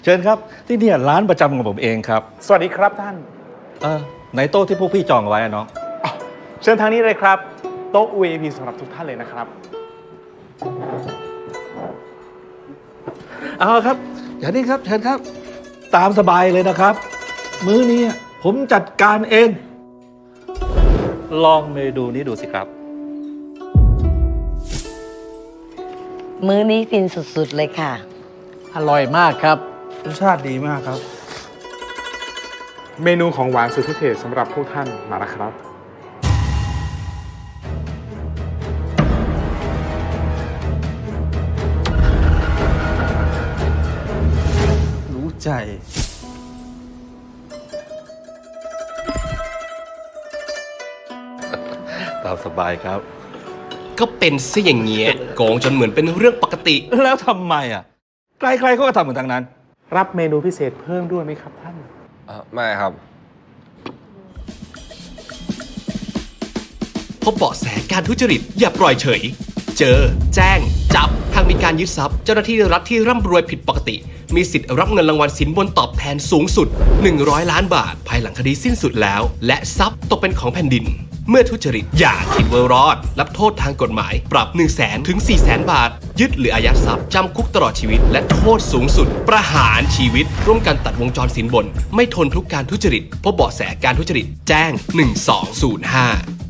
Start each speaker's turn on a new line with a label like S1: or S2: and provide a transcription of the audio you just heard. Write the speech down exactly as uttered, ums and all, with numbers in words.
S1: เชิญครับที่นี่ร้านประจำของผมเองครับ
S2: สวัสดีครับท่าน
S1: เออในโต๊ะที่พวกพี่จองเอาไว้อะน้อง
S2: อ๋อเชิญทางนี้เลยครับโต๊ะ วี ไอ พี สำหรับทุกท่านเลยนะครับ
S1: เอาครับอย่างนี้ครับเชิญครับ ตามสบายเลยนะครับ มื้อนี้ผมจัดการเอง ลองเมนูนี้ดูสิครับ
S3: มื้อนี้ฟินสุดๆเลยค่ะ
S4: อร่อยมากครับ
S5: รสชาติดีมากครับ
S2: เมนูของหวานสุดพิเศษสำหรับพวกท่านมาแล้วครับ
S5: รู้ใจ
S1: ตามสบายครับ
S6: ก็เป็นซะอย่างเงี้ยโกงจนเหมือนเป็นเรื่องปกติ
S1: แล้วทำไมอ่ะใครๆเขาก็ทำเหมือนทางนั้น
S2: รับเมนูพิเศษเพิ่มด้วยไหมครับท่าน
S7: ไม่ครับ
S6: พบเบาะแสการทุจริตอย่าปล่อยเฉย เจอ แจ้ง จับหากมีการยึดทรัพย์เจ้าหน้าที่รัฐที่ร่ำรวยผิดปกติ มีสิทธิ์รับเงินรางวัลสินบนตอบแทนสูงสุดหนึ่งร้อยล้านบาท ภายหลังคดีสิ้นสุดแล้ว และทรัพย์ตกเป็นของแผ่นดิน เมื่อทุจริตอย่าคิดว่ารอด รับโทษทางกฎหมาย ปรับ หนึ่งแสน ถึง สี่แสน บาท ยึดหรืออายัดทรัพย์จำคุกตลอดชีวิต และโทษสูงสุด ประหารชีวิต ร่วมกันตัดวงจรสินบน ไม่ทนทุกการทุจริตพบเบาะแสการทุจริตแจ้งหนึ่งสองศูนย์ห้า